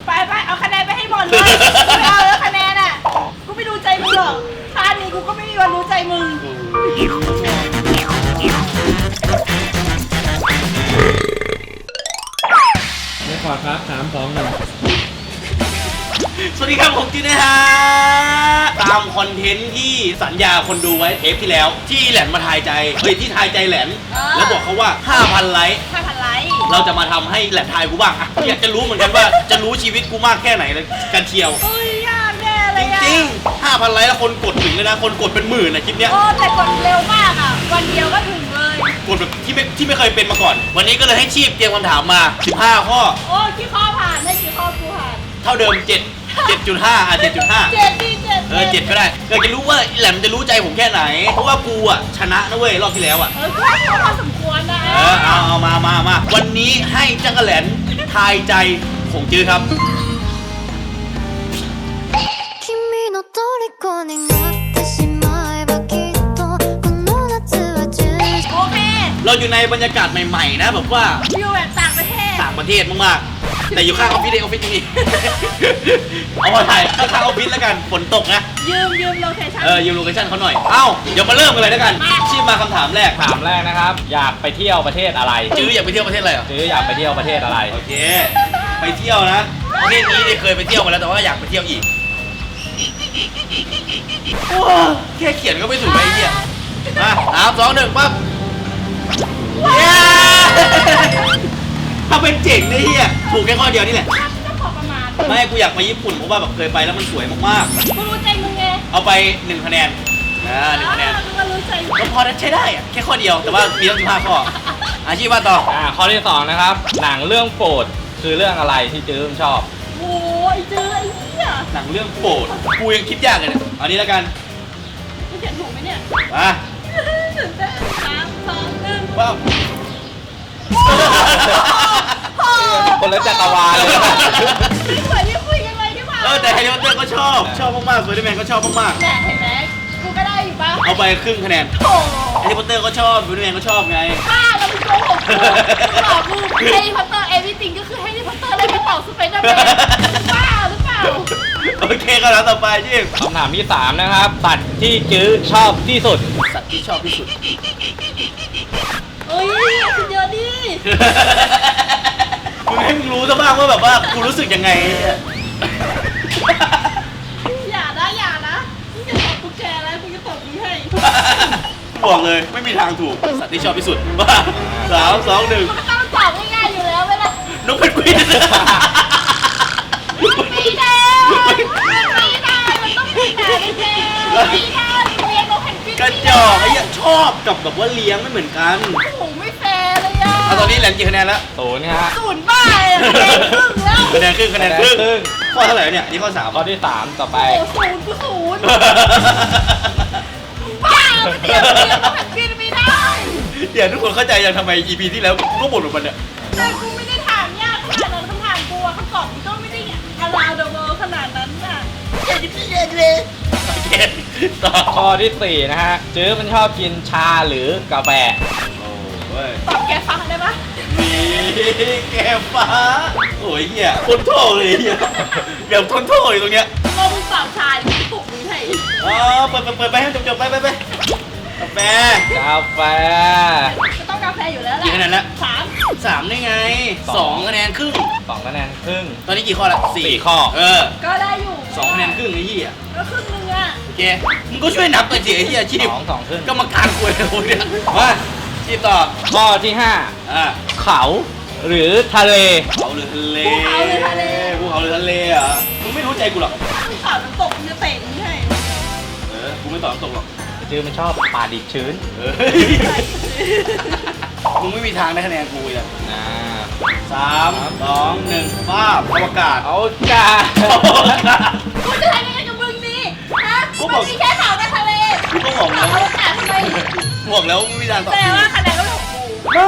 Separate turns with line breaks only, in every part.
ไปเอาคะแนนไปให้หมดเลยไม่เอาแล้วคะแนนอ่ะกูไม่ดูใจมึงหรอกชาตินี้กูก็ไม่มีวันรู้ใจมึง
ไม่ขอครับ3 2 1
สวัสดีครับผมจีนะฮะตามคอนเทนต์ที่สัญญาคนดูไว้เทปที่แล้วที่แหลนมาทายใจที่ทายใจแหลนแล้วบอกเขาว่า 5,000 ไลค์
5,000 ไลค์
เราจะมาทำให้แหลนทายกูบ้างอะอยากจะรู้เหมือนกันว่าจะรู้ชีวิตกูมากแค่ไหนเลยกันเชียว
เฮ้ยยากแน่เลย
จริงๆ 5,000 ไลค์แล้วคนกดถึงเลยนะคนกดเป็นหมื่นนะคลิปเนี้ย
โอ้แต่กดเร็วมากอ่ะวันเดียวก็ถึงเลย
กดแบบที่ไม่เคยเป็นมาก่อนวันนี้ก็เลยให้ชีพเตรียมคำถามมา15 ข้อ
โอ้กี่ข้อผ่านได้กี่ข้อกูผ่าน
เท่าเดิม7.5 7.5
7ดี
7ก็ได้อยากจะรู้ว่าแหลมจะรู้ใจผมแค่ไหนเพราะว่ากูอ่ะชนะนะเว้ยรอบที่แล้วอ่ะ
ก็พอสมควรนะ
เอามาวันนี้ให้จักรแหลนทายใจของจื้อครับ
โอเค
เราอยู่ในบรรยากาศใหม่ๆนะแบบว่า
วิวแบบต่างประเทศ
มากๆแต่อยู่ข้างออฟฟิศออฟฟิศนี่เอามาถ่ายข้างออฟฟิศแล้วกันฝนตกนะ
ยืมโลเคชั่น
ยืมโลเคชั่นเขาหน่อยเอ้าเดี๋ยวมาเริ่มกันเลยแล้วกันชีพมาคำถามแรก
นะครับอยากไปเที่ยวประเทศอะไร
จื้ออยากไปเที่ยวประเทศอะไร
จื้ออยากไปเที่ยวประเทศอะไร
โอเคไปเที่ยวนะประเทศนี้เคยไปเที่ยวมาแล้วแต่ว่าอยากไปเที่ยวอีกแค่เขียนก็ไม่ถูกไอ้เหี้ยมา3 2 1ปั๊บถ้าเป็นเจ๋งนี่เฮียถูกแค่ข้อเดียวนี่แหละ
ก็พอประมาณ
ไม่กูอยากไปญี่ปุ่นเพราะว่าแบบเคยไปแล้วมันสวยมาก
ๆกูรู้ใจมึงไง
เอาไป1 คะแนน1 คะแนน
ก็รู้ใจ
ก็พอใช้ได้อะแค่ข้อเดียวแต่ว่ามีตั้ง15 ข้ออาชีพว่าต่อ
ข้อที่2นะครับหนังเรื่องโปรดคือเรื่องอะไรที่จื้อชอบ
โอ้ยเจอไอ้เหี้ย
หนังเรื่องโปรดกูยังคิดยากเลยเนี่ยเอานี้แล้วกัน
กูเขียนถูกไหมเนี่ย
มา
3 2 1
ว้าว
คนละจักรวาลเลย
เหมือนที่คุยกันไว้ที่มา
แต่แฮร์รี่พอตเตอร์ก็ชอบมากๆสไปเดอร์แมนก็ชอบมาก
ๆเห็นไหมกูก็ได้อยู่ป่ะ
เอาไปครึ่งคะแนนแฮร์รี่พอตเตอร์ก็ชอบสไปเดอร์แมนก็ชอบไง
บ้าเราเป็นโกหกกูหลอกกูแฮร์รี่พอตเตอร์เอวิติงก็คือแฮร์รี่พอตเตอร์เลยไม่ตอบสไปเดอร์แมนบ้าหรือเปล่า
โอเคก็แล้วต่อไปจีบ
คำถามที่3นะครับสัตว์ที่จื้อชอบที่สุด
สัตว์ที่ชอบที่สุด
เฮ้ยสุดยอดดิ
มึงให้มึงรู้ซะบ้างว่าแบบว่ากูรู้สึกยังไง
อย่านะมึงจะตอบกูแกแล้วมึงจะตอบมึงให้
บอกเลยไม่มีทางถูกสัตว์ที่ชอบที่สุดว่า3 2 1
มันก็ต้องตอบง่ายๆอยู่แล้วเวลาน
กเพนกวิน
ไม่ได้มันต้องมีแต่ไม่ใช่ไม่ได้เลี้ยงนกเพนกวิน
กระจอกไอ้ยังชอบกับแบบว่าเลี้ยงไม่เหมือนกัน
โอ้โหไม่แฟร์เลยอ่ะ
ตอนนี้แหลมกี่คะแนนแล้ว
0ฮะ
0บ้าคะแนนครึ่งแล้ว
คะแนนครึ่งข้อเท่าไหร่เนี่ยนี่ข้อ3
ข้อที่3ต่อไป
โอ้0กู0บ้าเดี๋ยวต้องแบบกินไม่ได้
เดี๋ยวทุกคนเข้าใจยังทำไม EP ที่แล้วก็บ่นแบบมันเนี่ย
แต่กูไม่ได้ถามยากขนาดนั้นคำถามกูอะคำตอบกูก็ไม่ได้around the world ขนาดนั้นน่ะอย่าดิพี่เลย
โอเคต่อ
ข้อที่4นะฮะจื้อมันชอบกินชาหรือกาแฟ
ตอบแกฟ้าได้ปะ
แกฟ้าโอ้ยเหี้ยทนโทษเลยเหี้ยแบบทนโทษอยู่ตรงเนี้ย
เรามึงตอบชาดิถูกหรือไง
เปิดไปให้จบไปกาแฟ
จะต้องกาแฟอยู่แล้วแหละ
กี่คะแนนแล้ว
3
ได้ไง2 คะแนนครึ่ง
2 คะแนนครึ่ง
ตอนนี้กี่ข้อละ4 ข้อ
ก็ได้อยู่
2 คะแนนครึ่งไอ้เหี้ย
ก็ครึ่งนึงอ่ะ
โอเคมึงก็ช่วยนับไปสิไอ้เหี้ยชีพ
2 ครึ่ง
กรรมการคุยเลยเนี่ยมาชีพต่อ
ข้อที่5เขาหรือทะเล
เขาหรือทะเลภูเขาหรือทะเลอ่ะมึงไม่รู้ใจกูหรอก
มึงตอบน้ำตกมึงจะเตะมึงให้
กูไม่ตอบน้ำตกหรอก
จื้อมันชอบป่าดิบชื้น
มึงไม่มีทางได้คะแนนกูเลย3 2 1ป้าบอวกาศ
กูจะทำยังไงกับมึงดีฮะมันมีแค่เขาในทะเล
กูก็บอกแล้ว
อวกาศทำไม
บอกแล้วไม่มีทางตอบ
แต่ว่าคะแนนก็ของกู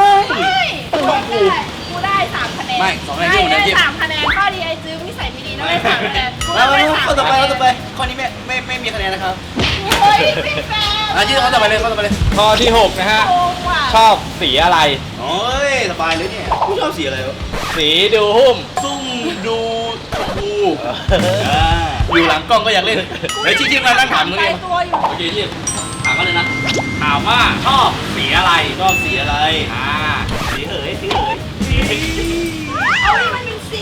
กูได้3 คะแนน
ไม่2 คะแนนที่
ได้3 คะแนนข้อดีไอจื้อนิสัยไม่ดีนะได้3 คะแนน
แล้วข้อต่อไปข้อนี้ไม่มีคะแนนนะครับ
เฮ้ยไม่แฟร์
ที่ข้อต่อไปเลย
ข้อที่6นะฮะชอบสีอะไร
โอ้ยสบายเลยเนี่ยกูชอบสีอะไรวะ
สีดูหุ้ม
ซุ่มดูอยู่หลังกล้องก็อยากเล่นเฮ้ยที่มานั่งถามตรง
ไกล
นี้
ตัวอยู่
โอเคที่ถามมาเลยนะ
ถามว่าชอบสีอะไร
ชอบสีอะไร
สีเหยสีเหย
เอาให้มันเป็นสี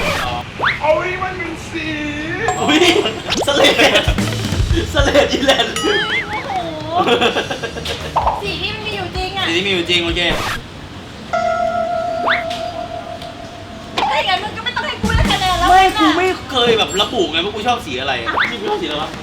อุ้ยสเลดอีแลนด์
โอ้โหสีที่มันมีอยู่จริงอ่ะ
สีที่มีอยู่จริงโอเค
ถ้าอย่างนั้นมึงก็ไม่ต้องให้กูได้คะแนนแล้ว
ไม่กูไม่เคยแบบระบุไงว่ากูชอบสีอะไรที่กูชอบสีอะไรวะ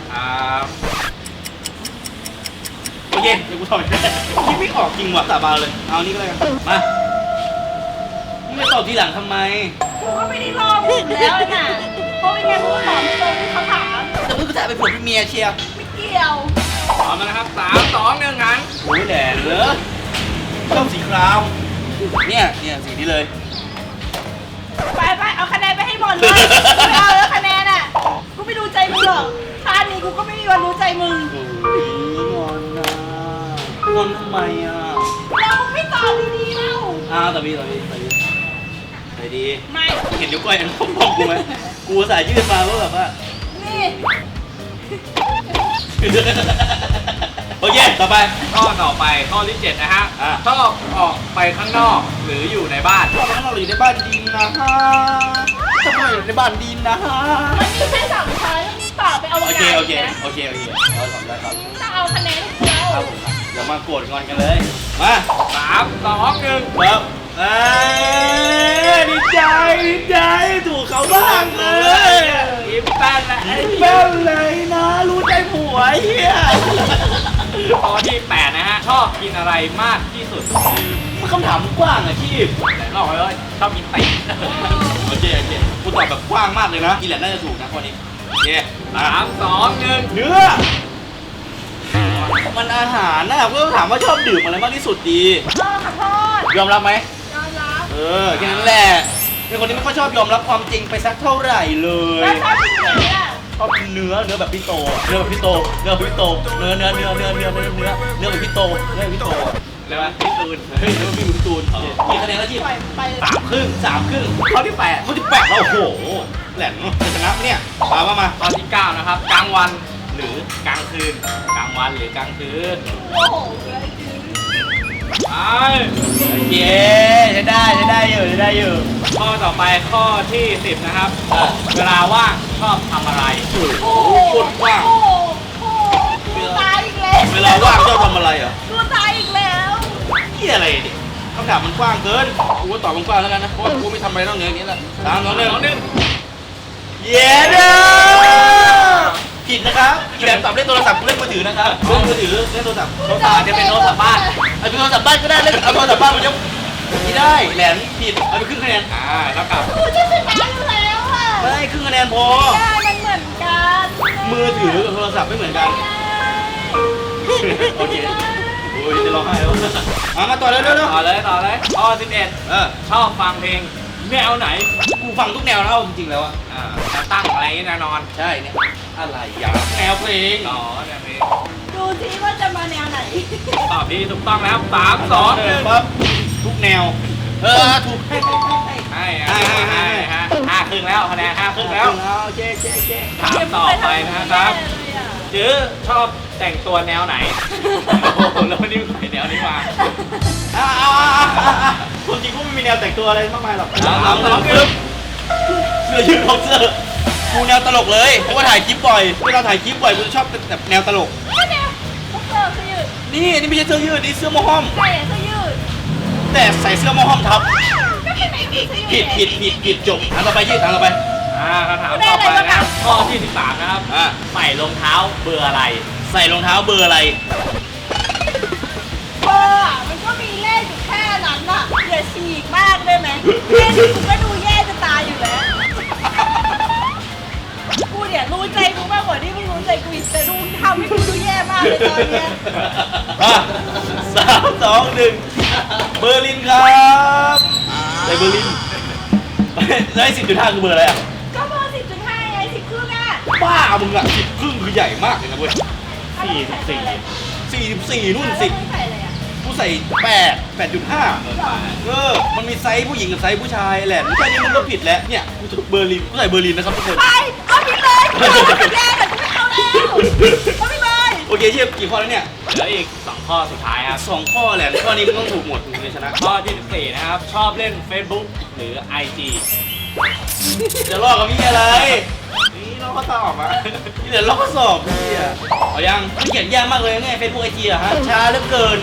โอเคเดี๋ยวกูทำคิดไม่ออกจริงว่ะสาบานเลย เอานี่ก็เลยมามึงจะตอบทีหลังทำไม
กูก็ไม่ได้รอมึงแล้วน่ะเพราะไม่งั้นมึงตอบไม่ตรงที่เขาถาม
แต่มึงก็จะไปผัวเป็นเมียเชียร์
ไม่เกี่ยว
พร้อมแล้วนะครับ3 2 1งั้น
โอ้ยแหล่เหรอชอบสีครามเนี่ยสีนี้เลย
ไปเอาคะแนนไปให้หมดเลยไม่เอาแล้วคะแนนอ่ะกูไม่ดูใจมึงหรอกท่านี้กูก็ไม่มีวันรู้ใจมึง
โอ้ยงอนนะงอนทำไมอ่ะ
แล้วมึงไม่ตอบดีๆเล่า
ต่อพี่ไปดี
ไม่
เห็นนิ้วก้อยอันพองกูไหมกูสายยืดมาว่าแบบว่า
นี่
โอเคต่อไป
ข้อต่อไปข้อที่ 7 นะฮะ ชอบออกไปข้างนอกหรืออยู่ในบ้าน
ชอบข้างนอกหรืออยู่ในบ้านดีนะฮะชอบข้างนอกหรือในบ้านดีนะฮะ
มันมีแค่สามช้อยแล้วมึงตอบไปเอา
โอเค
ไง
โอเค
นะ
เราทำได้ครับ
มึงต้องเอาคะแนนให้กู
ครับผมครับอย่ามาโกรธงอนกันเลย มา
3 2 1
ครับดีใจถูกเขาบ้างเลย
ยิ้มแป้นและ
แม่นเลยนะ รู้ใจผัวเฮีย
ข้อที่ 8 นะฮะ ชอบกินอะไรมากที่สุด
มันคำถามมันกว้างอะชีพ
แต่ลอกไว้ว่าชอบกินตีน
โอเคกูตอบแบบกว้างมากเลยนะอีแหลนน่าจะถูกนะข้อนี้โอเค
3 2 1
เนื้อมันอาหารนะเพื่อถามว่าชอบดื่มอะไรมากที่สุดดี
ขอโทษ
ยอมรับไหม
ยอมรับ
แค่นั้นแหละเป็นคนที่ไม่ค่อยชอบยอมรับความจริงไปสักเท่าไหร่เลย
แล้วชอบกินไหนอ่ะ
ชอบกินเนื้อแบบพี่โตเนื้อแบบพี่โตเนื้อแบบพี่โตเนื้อแบบพี่โต
แล้วพี่ตูน
เฮ้ยเนื้อพี่ตูนกี่คะแนนแล้วที่
ปล่อยไปเลย
สามครึ่งข้อที่8แล้วโอ้โหแหลมจะชนะเนี่ยมา
ข้อที่ 9 นะครับ กลางวันหรือกลางคืน กลางวันหรือกลางคืน
โอ้โหเลยคือ
ไป
เย้ใช้ได้อยู่
ข้อต่อไปข้อที่ 10 นะครับ เวลาว่างชอบทำอะไร
โอ้โห
โคตรกว้าง
โอ้โหกูตายอีกแล้ว
เวลาว่างชอบทำอะไรอ่ะ
กูตายอีกแล้ว
นี่อะไรดิคำถามมันกว้างเกินกูก็ตอบมันกว้างแล้วกันนะเพราะว่ากูไม่ทำอะไรนอกเหนืออย่างนี้ละ3 2 1เย้เด้อผิดนะครับอีแหลมตอบเล่นโทรศัพท์กูเล่นมือถือนะครับเล่นมือถือเล่นโทรศัพท์
โทรศัพท์จะเป็นโทรศัพท์บ้าน
เอาเป็นโทรศัพท์บ้านก็ได้เล่นเอาโทรศัพท์บ้านมันยังไม่ได้แหลมผิดเอาไปครึ่งคะแนน
แล้วกลับ
กูจะชนะอยู่แล้วอ่ะ
ได้ครึ่งคะแนนพอ
ได้มันเหมือนกัน
มือถือกับโทรศัพท์ไม่เหมือนกันโอเคโอ้ยจะร้องไห้แล้วมาต่อเร็ว
ต่อเลยข้อ
ๆ
11 ชอบฟังเพลงแนวไหน
กูฟังทุกแนวแล้วจริงๆแล้วอะ
จะตั้งอะไรแน่นอน
ใช่เนี่ยอะไรยาแนวเพลง
ต่อแนวเพลง
ดูสิว่าจะมาแนวไหน
ตอบดีถูกต้องแล้ว3 2 1
ปั๊บทุกแนวถูกให้
ให้ฮะ5 ครึ่งแล้วคะแนน5 ครึ่งแล้ว
โอเค
ถามต่อไปนะครับจื้อชอบแต่งตัวแนวไหน โอ้โหแล้ววันนี้ใส่แนวนี้มา
คนจริงกูไม่มีแนวแต่งตัวอะไรมากมายหรอก
3 2 1
เสื้อยืดบ็อกเซอร์กูแนวตลกเลยเพราะว่าถ่ายคลิปบ่อยเวลาถ่ายคลิปบ่อยกูจะชอบแบบแนวตลก
ก็แนวพวกเสื้อยืด
นี่ไม่ใช่เสื้อยืดนี่เสื้อโมห้อม
ใส่เสื้อยืด
แต่ใส่เสื้อโมห้อมทับ
ก็เป็นไหนผิดเสื้อยืด
ผิดจบถามต่อไปยืดถามต่อไป
คำถามต่อไปนะครับข้อที่ 13 นะครับ ใส่รองเท้าเบอร์อะไร
ใส่รองเท้าเบอร์อะไร
เบอร์อะมันก็มีเลขอยู่แค่นั้นอ่ะอย่าฉีกมากได้ไหมแค่นี้กูก็ดูแย่จะตายอยู่แล้ว กูเนี่ยรู้ใจกูมากกว่าที่มึงรู้ใจกูอีกแต่ดูทำให้กูดูแย่มากเลยตอนเนี้ย
3 2 1เบอร์ลินครับใส่เบอร์ลินแล้วไอ้10.5คือเบอร์อะไรอ่ะ
ก็เบอร์10.5ไง10 ครึ่งอ่ะ
บ้ามึงอ่ะ10 ครึ่งคือใหญ่มากเลยนะเว้ย
44
44นู่น10
ใส่อะไรอ่ะ
กูกูใส่8.5มันมีไซส์ผู้หญิงกับไซส์ผู้ชายแหละแค่นี้มันก็ผิดแล้วเนี่ยกูเบอร์ลินกูใส่เบอร์ลินนะครับทุกคน
ไปเอาผิดเลยแย่แบบไม่เอาแล้วเอาไปเลย
โอเคเชียบกี่ข้อแล้วเนี่ย
เหลืออีก 2 ข้อสุดท้ายครับ
2 ข้อแหละข้อนี้มันต้องถูกหมดถึงจะชนะ
ข้อที่ 14 นะครับ ชอบเล่น Facebook หรือ IG
จะลอกกับพี่อะไรนี่ลอกข้อสอบอ่ะนี่เดี๋ยวลอกข้อสอบพี่อ่ะเอายังมันเขียนยากมากเลยไงเฟซบุ๊กไอจีอะฮะช้าเหลือเกิน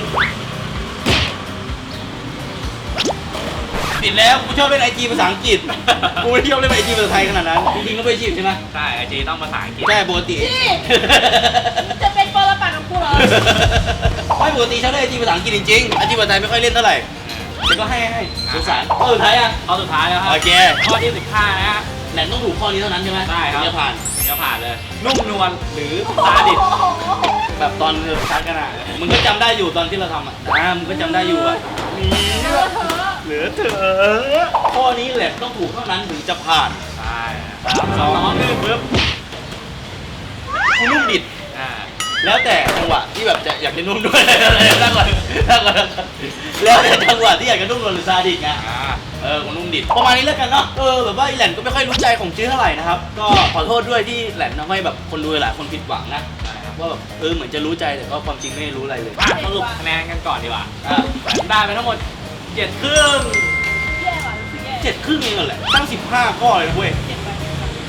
ผิดแล้วกูชอบเล่นไอจีภาษาอังกฤษกูไม่ได้ชอบเล่นไอจีภาษาไทยขนาดนั้นจริงๆก็ไม่ชีพใช่ไหม
ใช่ IG ต้องภาษาอังกฤษ
ใช่ปกติ
นี่จะเป็นปรปักษ์กับกูเหรอ
ไม่ปกติชอบเล่นไอจีภาษาอังกฤษจริงๆไอจีภาษาไทยไม่ค่อยเล่นเท่าไหร่แต่ก็ให้สงสารข้อสุดท้ายอ่ะ
ข้อสุดท้ายแล้วครับ
โอเค
ข้อที่ 15 นะฮะ
แหลนต้องถูกข้อนี้เท่านั้นใช่ไหม
ได้ครับ
จะผ่าน
จะผ่านเลย นุ่มนวลหรือซาดิส
แบบตอนชักกันอ่ะมึงก็จำได้อยู่ตอนที่เราทำอ่ะมึงก็จำได้อยู่อ่ะ เหลือเถอะข้อนี้แหละต้องถูกเท่านั้นถึงจะผ่าน
ใช่3 2 1ปึ๊บ
กูนุ่มดิด
อ่า
แล้วแต่จังหวะที่แบบจะอยากจะนุ่มด้วยนั่งก่อนแล้วแต่จังหวะที่อยากจะนุ่มนวลหรือซาดิสไงกูนุ่มดิดประมาณนี้แล้วกันเนาะแบบว่าไอแหลนก็ไม่ค่อยรู้ใจของจื้อเท่าไหร่นะครับก็ขอโทษด้วยที่แหลนทำให้แบบคนดูหลายคนผิดหวังนะว่าแบบเหมือนจะรู้ใจแต่ก็ความจริงไม่รู้อะไรเลย
สรุปคะแนนกันก่อนดีกว่า
แหลน
ได้ไปทั้งหมด 7 ครึ่ง
แย่ว่ะรู้สึกแย่
7 ครึ่งเองแหละตั้ง15 ข้อเลยนะเว้ย
เจ็บไป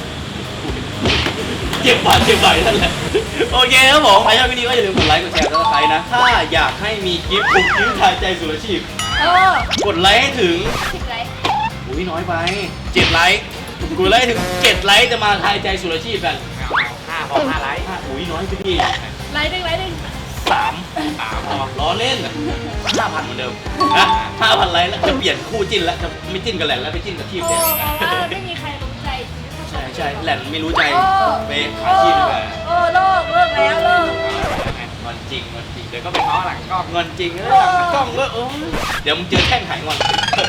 เจ็บบ่อยนั่นแหละโอเคครับผมใครชอบวิดีโอก็อย่าลืมกดไลค์กดแชร์กดซับสไครต์นะถ้าอยากให้มีคลิปปลุกยิ้มทายใจสู่อาชีพ กดไลค์ให้ถึง
ผิดไร
อุ้ยน้อยไป7 ไลค์กดไลค์ให้ถึง7 ไลค์จะมาทายใจสู่อาชีพกัน
5 5 ไลค์
อุ้ยน้อยไปพี่
ไลค์หนึ่งไลค์หนึ่ง
3พอล้อเล่น 5,000เหมือนเดิมนะ5,000 ไลค์แล้วจะเปลี่ยนคู่จิ้นแล้วจะไม่จิ้นกับแหลนแล้วไปจิ้นกับชีพ
โอ้
เนี่ย
บอกว่าไม่มีใครรู้ใจ
ใช่แหลนไม่รู้ใจไปหาชีพดีกว่า
เลิกแล้วเลิก
งอนจริง
เดี๋ยวก็ไปง้อหลังกล้อง
งอนจริงแล้วหลังกล้องก็เดี๋ยวมึงเจอแท่งหายงอน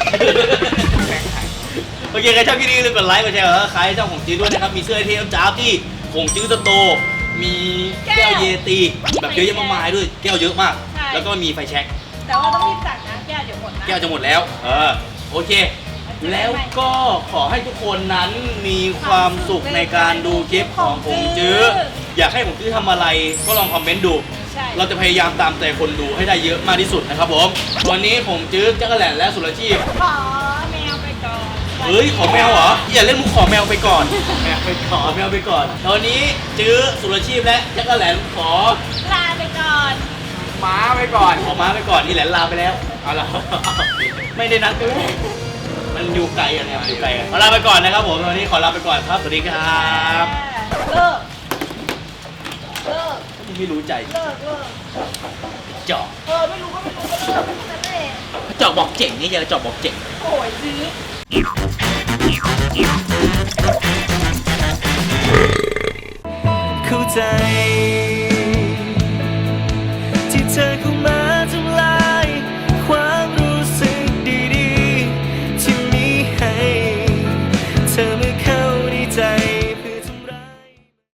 โอเคใครชอบคลิปนี้อย่าลืมกดไลค์กดแชร์แล้วใครชอบของจื้อด้วยนะครับมีเสื้อเทมจ้าบที่ของจื้อโตมีแก้วเยตีแบบเยอะแยะมากมายด้วยแก้วเยอะมากแล้วก็มีไฟแช็ก
แต่ว่าต้องรีบสั่งนะแก้วเดี๋ยวหมดนะ
แก้วจะหมดแล้วโอเค แล้วก็ขอให้ทุกคนนั้นมีความสุขในการดูคลิปของผมจื้ออยากให้ผมจื้อทำอะไรก็ลองคอมเมนต์ดู
ใช่
เราจะพยายามตามใจคนดูให้ได้เยอะมากที่สุดนะครับผมวันนี้ผมจื้อจักรแหลนและสุรชีพ
ขอแมวไปก่อน
เฮ้ยขอแมวเหรออย่าเล่นมุกขอแมวไปก่อน
แม่ไปขอ
ขอแมวไปก่อนตอนนี้จื้อสุรชีพและจักรแหลนขอ
ลาไปก่อน
ม้าไปก่อน
ขอม้าไปก่อนนี่แหลนลาไปแล้ว
เอาละ
ไม่ได้นัดกันมันอยู่ไกลกันนะครับอยู่ไกลกันขอลาไปก่อนนะครับผมวันนี้ขอลาไปก่อนครับสวัสดีครับ
เลิก
ไม่รู้ใจ
เลิก
จอก
ไม่รู้ก็ไม่รู้ก็เลิกนั่นแหละ
จอกบอกเจ๋งนี่อย่าจอกบอกเจ๋ง
โอ้ยซื้อ
เข้าใจ